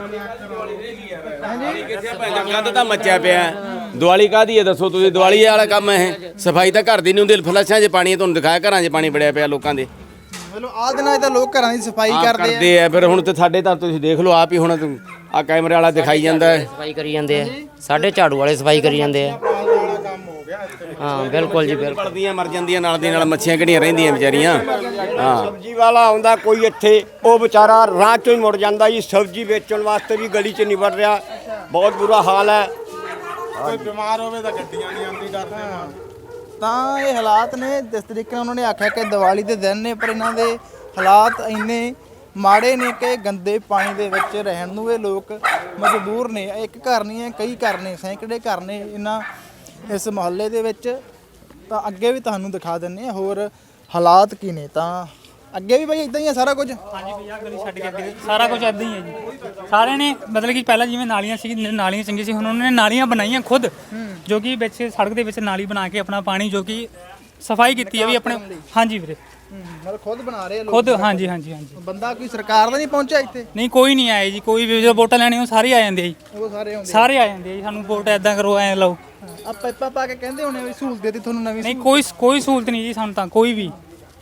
C: ਗੰਦ ਤਾਂ ਮੱਚਿਆ ਪਿਆ। ਦੀਵਾਲੀ ਕਾਹਦੀ ਹੈ ਦੱਸੋ ਤੁਸੀਂ? ਦੀਵਾਲੀ ਵਾਲਾ ਕੰਮ ਹੈ ਇਹ। ਸਫਾਈ ਤਾਂ ਘਰ ਦੀ ਨਹੀਂ ਹੁੰਦੀ। ਫਲਸ਼ਾਂ 'ਚ ਪਾਣੀ, ਤੁਹਾਨੂੰ ਦਿਖਾਇਆ ਘਰਾਂ 'ਚ ਪਾਣੀ ਬੜਿਆ ਪਿਆ ਲੋਕਾਂ ਦੇ।
B: ਮਤਲਬ ਆਹ ਦਿਨਾਂ 'ਚ ਤਾਂ ਲੋਕ ਘਰਾਂ ਦੀ ਸਫਾਈ
C: ਕਰਦੇ ਆ। ਫਿਰ ਹੁਣ ਤੇ ਸਾਡੇ ਤਾਂ ਤੁਸੀਂ ਦੇਖ ਲਓ ਆਪ ਹੀ, ਹੁਣ ਆ ਕੈਮਰੇ ਵਾਲਾ ਦਿਖਾਈ ਜਾਂਦਾ ਹੈ।
H: ਸਫਾਈ ਕਰੀ ਜਾਂਦੇ ਆ, ਸਾਡੇ ਝਾੜੂ ਵਾਲੇ ਸਫਾਈ ਕਰੀ ਜਾਂਦੇ ਆ। ਹਾਂ ਬਿਲਕੁਲ ਜੀ ਬਿਲਕੁਲ।
C: ਬਲਦੀਆਂ ਮਰ ਜਾਂਦੀਆਂ ਨਾਲ ਦੀ ਨਾਲ, ਮੱਛੀਆਂ ਕਿਹੜੀਆਂ ਰਹਿੰਦੀਆਂ ਵਿਚਾਰੀਆਂ। ਹਾਂ
G: ਸਬਜ਼ੀ ਵਾਲਾ ਆਉਂਦਾ ਕੋਈ ਇੱਥੇ, ਉਹ ਵਿਚਾਰਾ ਰਾਹ ਚੋਂ ਹੀ ਮੁੜ ਜਾਂਦਾ ਜੀ। ਸਬਜ਼ੀ ਵੇਚਣ ਵਾਸਤੇ ਵੀ ਗਲੀ 'ਚ ਨਹੀਂ ਵੜ ਰਿਹਾ, ਬਹੁਤ ਬੁਰਾ ਹਾਲ ਹੈ।
J: ਕੋਈ ਬਿਮਾਰ ਹੋਵੇ ਤਾਂ ਗੱਡੀਆਂ ਨਹੀਂ ਆਉਂਦੀ ਕਰਦੇ।
B: ਤਾਂ ਇਹ ਹਾਲਾਤ ਨੇ ਜਿਸ ਤਰੀਕੇ ਨਾਲ ਉਹਨਾਂ ਨੇ ਆਖਿਆ ਕਿ ਦੀਵਾਲੀ ਦੇ ਦਿਨ ਨੇ, ਪਰ ਇਹਨਾਂ ਦੇ ਹਾਲਾਤ ਇੰਨੇ ਮਾੜੇ ਨੇ ਕਿ ਗੰਦੇ ਪਾਣੀ ਦੇ ਵਿੱਚ ਰਹਿਣ ਨੂੰ ਇਹ ਲੋਕ ਮਜਬੂਰ ਨੇ। ਇੱਕ ਘਰ ਨਹੀਂ ਹੈ, ਕਈ ਘਰ ਨੇ, ਸੈਂਕੜੇ ਘਰ ਨੇ ਇਹਨਾਂ ਇਸ ਮੁਹੱਲੇ ਦੇ ਵਿੱਚ। ਤਾਂ ਅੱਗੇ ਵੀ ਤੁਹਾਨੂੰ ਦਿਖਾ ਦਿੰਦੇ ਹਾਂ ਹੋਰ ਹਾਲਾਤ ਕੀ ਨੇ। ਤਾਂ ਅੱਗੇ ਵੀ ਬਈ ਇਦਾਂ ਹੀ ਹੈ ਸਾਰਾ ਕੁਝ।
D: ਹਾਂਜੀ ਭਈਆ, ਗਲੀ ਛੱਡ ਕੇ ਅੱਗੇ ਸਾਰਾ ਕੁਝ ਇਦਾਂ ਹੀ ਹੈ ਜੀ। ਸਾਰਿਆਂ ਨੇ ਮਤਲਬ ਕਿ ਪਹਿਲਾਂ ਜਿਵੇਂ ਨਾਲੀਆਂ ਸੀ, ਨਾਲੀਆਂ ਚੰਗੀ ਸੀ, ਹੁਣ ਉਹਨਾਂ ਨੇ ਨਾਲੀਆਂ ਬਣਾਈਆਂ ਖੁਦ, ਜੋ ਕਿ ਵਿੱਚ ਸੜਕ ਦੇ ਵਿੱਚ ਨਾਲੀ ਬਣਾ ਕੇ ਆਪਣਾ ਪਾਣੀ ਜੋ ਕਿ ਸਫਾਈ ਕੀਤੀ ਹੈ ਵੀ ਆਪਣੇ। ਹਾਂਜੀ ਵੀਰੇ,
B: ਮਤਲਬ ਖੁਦ ਬਣਾ ਰਹੇ ਲੋਕ
D: ਖੁਦ। ਹਾਂਜੀ ਹਾਂਜੀ ਹਾਂਜੀ।
B: ਬੰਦਾ ਕੋਈ ਸਰਕਾਰ ਦਾ ਨਹੀਂ ਪਹੁੰਚਿਆ ਇੱਥੇ?
D: ਨਹੀਂ, ਕੋਈ ਨਹੀਂ ਆਇਆ ਜੀ। ਕੋਈ ਵੀ ਜਦੋਂ ਵੋਟਾਂ ਲੈਣੀ ਉਹ ਸਾਰੇ ਆ ਜਾਂਦੇ ਆ ਜੀ,
B: ਉਹ ਸਾਰੇ ਆਉਂਦੇ
D: ਸਾਰੇ ਆ ਜਾਂਦੇ ਆ ਜੀ। ਸਾਨੂੰ ਵੋਟ ਐਦਾਂ ਕਰੋ, ਐ ਲਓ।
B: ਆ ਪਾਈਪਾਂ ਪਾ ਕੇ ਕਹਿੰਦੇ ਹੋਣੇ ਵੀ ਸਹੂਲਤ ਦਿੱਤੀ ਤੁਹਾਨੂੰ ਨਵੀਂ।
D: ਨਹੀਂ, ਕੋਈ ਸਹੂਲਤ ਨਹੀਂ ਜੀ ਸਾਨੂੰ ਤਾਂ, ਕੋਈ ਵੀ।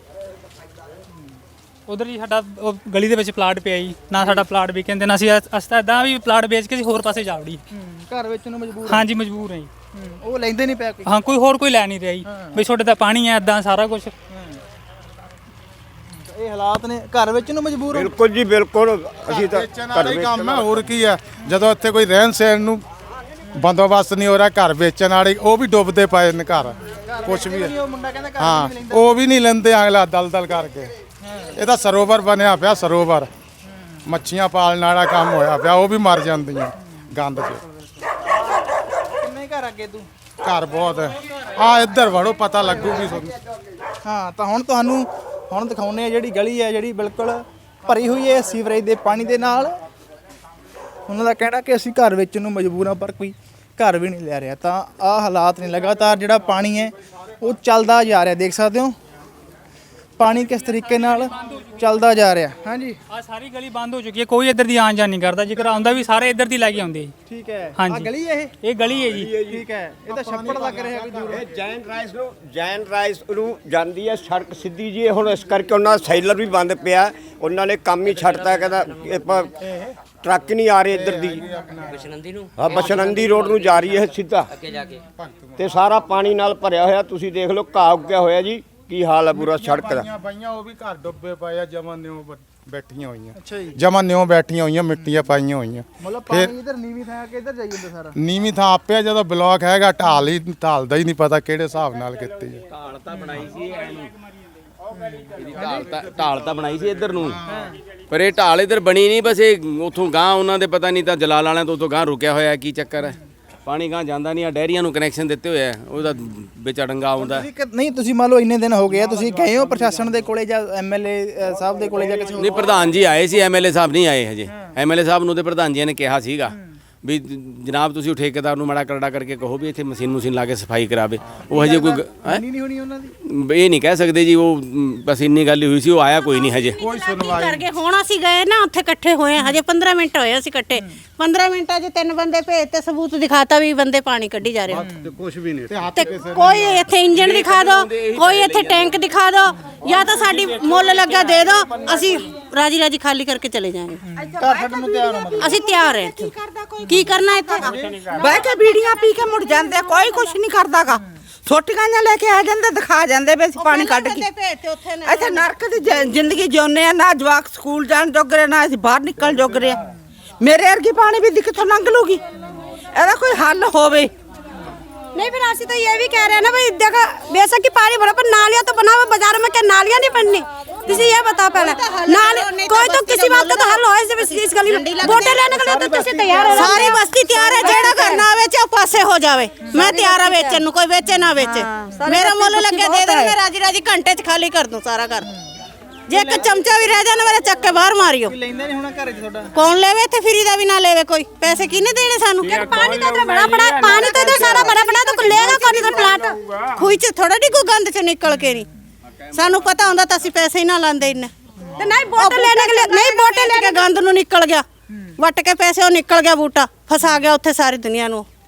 D: ਉਧਰ ਹੀ ਸਾਡਾ ਉਹ ਗਲੀ ਦੇ ਵਿੱਚ ਪਲਾਟ ਪਿਆ ਜੀ, ਨਾ ਸਾਡਾ ਪਲਾਟ ਵੀ ਕਹਿੰਦੇ ਨਾ ਅਸੀਂ ਤਾਂ ਇਦਾਂ ਵੀ ਪਲਾਟ ਵੇਚ ਕੇ ਅਸੀਂ ਹੋਰ ਪਾਸੇ ਜਾ ਵੜੀ।
B: ਘਰ ਵਿੱਚ ਨੂੰ ਮਜਬੂਰ।
D: ਹਾਂਜੀ ਮਜਬੂਰ ਹੈ ਜੀ।
B: ਉਹ ਲੈਂਦੇ ਨਹੀਂ ਪਿਆ ਕੋਈ।
D: ਹਾਂ, ਕੋਈ ਲੈ ਨਹੀਂ ਰਿਹਾ ਜੀ ਵੀ ਤੁਹਾਡੇ ਤਾਂ ਪਾਣੀ ਹੈ ਇਦਾਂ ਸਾਰਾ ਕੁਝ।
B: ਇਹ ਹਾਲਾਤ ਨੇ, ਘਰ ਵਿੱਚ ਨੂੰ ਮਜਬੂਰ ਹੋ।
G: ਬਿਲਕੁਲ ਜੀ ਬਿਲਕੁਲ। ਅਸੀਂ ਤਾਂ
J: ਘਰ ਦਾ ਹੀ ਕੰਮ ਹੈ, ਹੋਰ ਕੀ ਹੈ। ਜਦੋਂ ਇੱਥੇ ਕੋਈ ਰਹਿਣ ਸਹਿਣ ਨੂੰ ਬੰਦੋਬਸਤ ਨਹੀਂ ਹੋ ਰਿਹਾ, ਘਰ ਵੇਚਣ ਵਾਲੇ ਉਹ ਵੀ ਡੁੱਬਦੇ ਪਏ ਨੇ ਘਰ। ਕੁਛ ਵੀ
B: ਉਹ ਮੁੰਡਾ ਕਹਿੰਦਾ ਘਰ
J: ਹਾਂ, ਉਹ ਵੀ ਨਹੀਂ ਲੈਂਦੇ, ਅਗਲਾ ਦਲਦਲ ਕਰਕੇ। ਇਹ ਤਾਂ ਸਰੋਵਰ ਬਣਿਆ ਪਿਆ, ਸਰੋਵਰ। ਮੱਛੀਆਂ ਪਾਲਣ ਵਾਲਾ ਕੰਮ ਹੋਇਆ ਪਿਆ, ਉਹ ਵੀ ਮਰ ਜਾਂਦੀਆਂ ਗੰਦ 'ਚ।
B: ਕਿੰਨੇ ਘਰ ਅੱਗੇ ਤੂੰ?
J: ਘਰ ਬਹੁਤ ਹੈ। ਆ ਇੱਧਰ ਵੜੋ, ਪਤਾ ਲੱਗੂਗੀ ਤੁਹਾਨੂੰ।
B: ਹਾਂ, ਤਾਂ ਹੁਣ ਤੁਹਾਨੂੰ ਹੁਣ ਦਿਖਾਉਂਦੇ ਆ ਜਿਹੜੀ ਗਲੀ ਹੈ ਜਿਹੜੀ ਬਿਲਕੁਲ ਭਰੀ ਹੋਈ ਹੈ ਸੀਵਰੇਜ ਦੇ ਪਾਣੀ ਦੇ ਨਾਲ। ਉਹਨਾਂ ਦਾ ਕਹਿਣਾ ਕਿ ਅਸੀਂ ਘਰ ਵੇਚਣ ਨੂੰ ਮਜਬੂਰ ਹਾਂ, ਪਰ ਕੋਈ ਘਰ ਵੀ ਨਹੀਂ ਲੈ ਰਿਹਾ। ਤਾਂ ਆਹ ਹਾਲਾਤ ਨੇ, ਲਗਾਤਾਰ ਜਿਹੜਾ ਪਾਣੀ ਹੈ ਉਹ ਚੱਲਦਾ ਜਾ ਰਿਹਾ। ਦੇਖ ਸਕਦੇ ਹੋ ਪਾਣੀ ਕਿਸ ਤਰੀਕੇ ਨਾਲ ਚੱਲਦਾ ਜਾ ਰਿਹਾ। ਹਾਂਜੀ,
D: ਆ ਸਾਰੀ ਗਲੀ ਬੰਦ ਹੋ ਚੁੱਕੀ ਹੈ, ਕੋਈ ਇੱਧਰ ਦੀ ਆਉਣ ਜਾਣ ਨਹੀਂ ਕਰਦਾ। ਜੇਕਰ ਆਉਂਦਾ ਵੀ ਸਾਰੇ ਇੱਧਰ ਦੀ ਲੈ ਕੇ ਆਉਂਦੇ ਜੀ।
B: ਠੀਕ ਹੈ।
D: ਹਾਂਜੀ।
B: ਆਹ ਗਲੀ ਹੈ
D: ਇਹ ਗਲੀ ਹੈ ਜੀ।
B: ਠੀਕ ਹੈ। ਇਹ ਤਾਂ ਛੱਪੜ ਲੱਗ ਰਿਹਾ ਕੋਈ ਦੂਰ।
G: ਇਹ ਜੈਨ ਰਾਈਸ ਨੂੰ ਜਾਂਦੀ ਹੈ ਸੜਕ ਸਿੱਧੀ ਜੀ। ਹੁਣ ਇਸ ਕਰਕੇ ਉਹਨਾਂ ਦਾ ਸੈਲਰ ਵੀ ਬੰਦ ਪਿਆ, ਉਹਨਾਂ ਨੇ ਕੰਮ ਹੀ ਛੱਡਤਾ। ਕਹਿੰਦਾ ਟਰੱਕ ਨਹੀਂ ਆ ਰਹੇ ਇੱਧਰ ਦੀ।
H: ਬਸ਼ਨੰਦੀ ਨੂੰ,
G: ਹਾਂ, ਬਸ਼ਨੰਦੀ ਰੋਡ ਨੂੰ ਜਾ ਰਹੀ ਹੈ ਸਿੱਧਾ,
H: ਅੱਗੇ ਜਾ ਕੇ।
G: ਤੇ ਸਾਰਾ ਪਾਣੀ ਨਾਲ ਭਰਿਆ ਹੋਇਆ। ਤੁਸੀਂ ਦੇਖ ਲਓ ਘਾਹ ਉੱਗਿਆ ਹੋਇਆ ਜੀ, ਕੀ ਹਾਲ ਹੈ ਪੂਰਾ ਸੜਕ ਦਾ।
J: ਪਾਈਆਂ ਉਹ ਵੀ ਘਰ ਡੁੱਬੇ ਪਏ ਆ, ਜਮਾਂ ਨਿਉ ਬੈਠੀਆਂ ਹੋਈਆਂ।
B: ਅੱਛਾ ਜੀ।
J: ਜਮਾਂ ਨਿਉ ਬੈਠੀਆਂ ਹੋਈਆਂ, ਮਿੱਟੀਆਂ ਪਾਈਆਂ ਹੋਈਆਂ।
B: ਮਤਲਬ ਪਾਣੀ ਇਧਰ ਨੀਵੀਂ ਥਾਂ ਕਿ ਇਧਰ ਜਾਈ ਜਾਂਦਾ ਸਾਰਾ।
J: ਨੀਵੀਂ ਥਾਂ ਆਪਿਆ, ਜਦੋਂ ਬਲੌਕ ਹੈਗਾ ਢਾਲਦਾ ਹੀ ਨਹੀਂ ਪਤਾ ਕਿਹੜੇ ਹਿਸਾਬ ਨਾਲ ਕੀਤੀ ਹੈ।
C: ਢਾਲ ਤਾਂ ਬਣਾਈ ਸੀ ਢਾਲ ਤਾਂ ਬਣਾਈ ਸੀ ਇੱਧਰ ਨੂੰ, ਪਰ ਇਹ ਢਾਲ ਇੱਧਰ ਬਣੀ ਨਹੀਂ। ਬਸ ਇਹ ਉੱਥੋਂ ਗਾਂ ਉਹਨਾਂ ਦੇ ਪਤਾ ਨਹੀਂ ਤਾਂ ਜਲਾਲ ਵਾਲਿਆਂ ਤੋਂ ਉੱਥੋਂ ਗਾਂ ਰੁਕਿਆ ਹੋਇਆ, ਕੀ ਚੱਕਰ ਹੈ। ਪਾਣੀ ਗਾਂ ਜਾਂਦਾ ਨਹੀਂ। ਆ ਡੈਰੀਆਂ ਨੂੰ ਕਨੈਕਸ਼ਨ ਦਿੱਤੇ ਹੋਏ ਆ, ਉਹਦਾ ਵਿੱਚ ਡੰਗਾ ਆਉਂਦਾ।
B: ਨਹੀਂ, ਤੁਸੀਂ ਮੰਨ ਲਓ ਇੰਨੇ ਦਿਨ ਹੋ ਗਏ ਆ, ਤੁਸੀਂ ਗਏ ਹੋ ਪ੍ਰਸ਼ਾਸਨ ਦੇ ਕੋਲੇ ਜਾਂ ਐਮਐਲਏ ਸਾਹਿਬ ਦੇ ਕੋਲੇ ਜਾਂ ਕਿਸੇ ਹੋਰ?
C: ਨਹੀਂ, ਪ੍ਰਧਾਨ ਜੀ ਆਏ ਸੀ, ਐਮਐਲਏ ਸਾਹਿਬ ਨਹੀਂ ਆਏ ਹਜੇ। ਐਮਐਲਏ ਸਾਹਿਬ ਨੂੰ ਤੇ ਪ੍ਰਧਾਨ ਜੀ ਨੇ ਕਿਹਾ ਸੀਗਾ ਵੀ ਜਨਾਬ ਤੁਸੀਂ ਠੇਕੇਦਾਰ ਨੂੰ ਮਾੜਾ ਕਰੜਾ ਕਰਕੇ ਕਹੋ ਵੀ ਇੱਥੇ ਮਸ਼ੀਨ ਲਾ ਕੇ ਸਫਾਈ ਕਰਾਵੇ। ਉਹ ਹਜੇ ਕੋਈ
B: ਨਹੀਂ ਹੋਣੀ ਉਹਨਾਂ ਦੀ।
C: ਇਹ ਨਹੀਂ ਕਹਿ ਸਕਦੇ ਜੀ। ਉਹ ਬਸ ਇੰਨੀ ਗੱਲ ਹੀ ਹੋਈ ਸੀ, ਉਹ ਆਇਆ ਕੋਈ ਨਹੀਂ ਹਜੇ।
K: ਕੋਈ ਸੁਣਵਾਈ ਕਰ ਗਏ। ਹੁਣ ਅਸੀਂ ਗਏ ਨਾ ਉੱਥੇ ਇਕੱਠੇ ਹੋਏ ਆ, ਹਜੇ 15 ਮਿੰਟ ਹੋਏ ਅਸੀਂ ਇਕੱਠੇ। 15 ਮਿੰਟਾਂ 'ਚ 3 ਬੰਦੇ ਭੇਜ ਤੇ ਸਬੂਤ ਦਿਖਾਤਾ ਵੀ ਬੰਦੇ ਪਾਣੀ ਕੱਢੀ ਜਾ ਰਹੇ।
J: ਕੁਝ ਵੀ ਨਹੀਂ।
K: ਤੇ ਕੋਈ ਇੱਥੇ ਇੰਜਣ ਦਿਖਾ ਦਿਓ, ਕੋਈ ਇੱਥੇ ਟੈਂਕ ਦਿਖਾ ਦਿਓ, ਜਾਂ ਤਾਂ ਸਾਡੀ ਮੁੱਲ ਲੱਗਾ ਦੇ ਦਿਓ, ਅਸੀਂ ਰਾਜੀ ਖਾਲੀ ਕਰਕੇ ਚਲੇ ਜਾਵਾਂਗੇ।
B: ਘਰ ਛੱਡਣ ਨੂੰ ਤਿਆਰ ਹੋ? ਮਤਲਬ
K: ਅਸੀਂ ਤਿਆਰ ਹਾਂ ਇੱਥੇ। ਕੀ ਕਰਨਾ ਇੱਥੇ?
E: ਬਹਿ ਕੇ ਬੀੜੀਆਂ ਪੀ ਕੇ ਮੁੜ ਜਾਂਦੇ, ਕੋਈ ਕੁਛ ਨਹੀਂ ਕਰਦਾਗਾ। ਛੋਟੀਆਂ ਲੈ ਕੇ ਆ ਜਾਂਦੇ ਦਿਖਾ ਜਾਂਦੇ ਵੀ ਅਸੀਂ ਪਾਣੀ ਕੱਢ ਕੇ ਇੱਥੇ ਨਰਕ ਦੀ ਜ਼ਿੰਦਗੀ ਜਿਉਂਦੇ ਆ ਨਾ ਜਵਾਕ ਸਕੂਲ ਜਾਣ ਜੋਗਰੇ ਨਾ ਅਸੀਂ ਬਾਹਰ ਨਿਕਲ ਜੋਗਰੇ ਆ ਮੇਰੇ ਵਰਗੀ ਪਾਣੀ ਵੀ ਕਿੱਥੋਂ ਲੰਘ ਲੂਗੀ ਇਹਦਾ ਕੋਈ ਹੱਲ ਹੋਵੇ
K: नहीं फिर ऐसी तो ये भी कह रहे हैं ना भाई देखो बेशक की पानी भरो पर नालियां तो बनाओ बाजार में क्या नालियां नहीं बननी किसी ये बताओ पहले नाली कोई तो किसी बात का तो हल हो इस गली में वोटे लेने के लिए तो तुसी तैयार हो सारी बस्ती तैयार है जेड़ा घर ना बेचे पासे हो जावे मैं तैयार है बेचन नु कोई बेचे ना बेचे मेरा मोल लगे दे दे मैं राजी राजी घंटे च खाली कर दूं सारा घर जे एक चमचा भी रह जाए मेरे चक्के बाहर मारियो
B: ਲੈਂਦਾ ਨਹੀਂ ਹੋਣਾ ਘਰੇ ਤੁਹਾਡਾ
K: कौन लेवे थे फ्री दा भी ना लेवे कोई पैसे किने देने सानू पानी तो इधर बड़ा बड़ा पानी तो इधर सारा बड़ा बड़ा तो लेगा कौन इधर प्लाट खुई च थोड़ा डिगू गंद च निकल के नहीं सानू पता होंदा तो असि पैसे ही ना लांदे इन्ने ते नहीं बोतल लेने के लिए नहीं बोतल लेके गंद नु निकल गया वट के पैसे वो निकल गया बूटा फसा गया उत्थे सारी दुनिया नु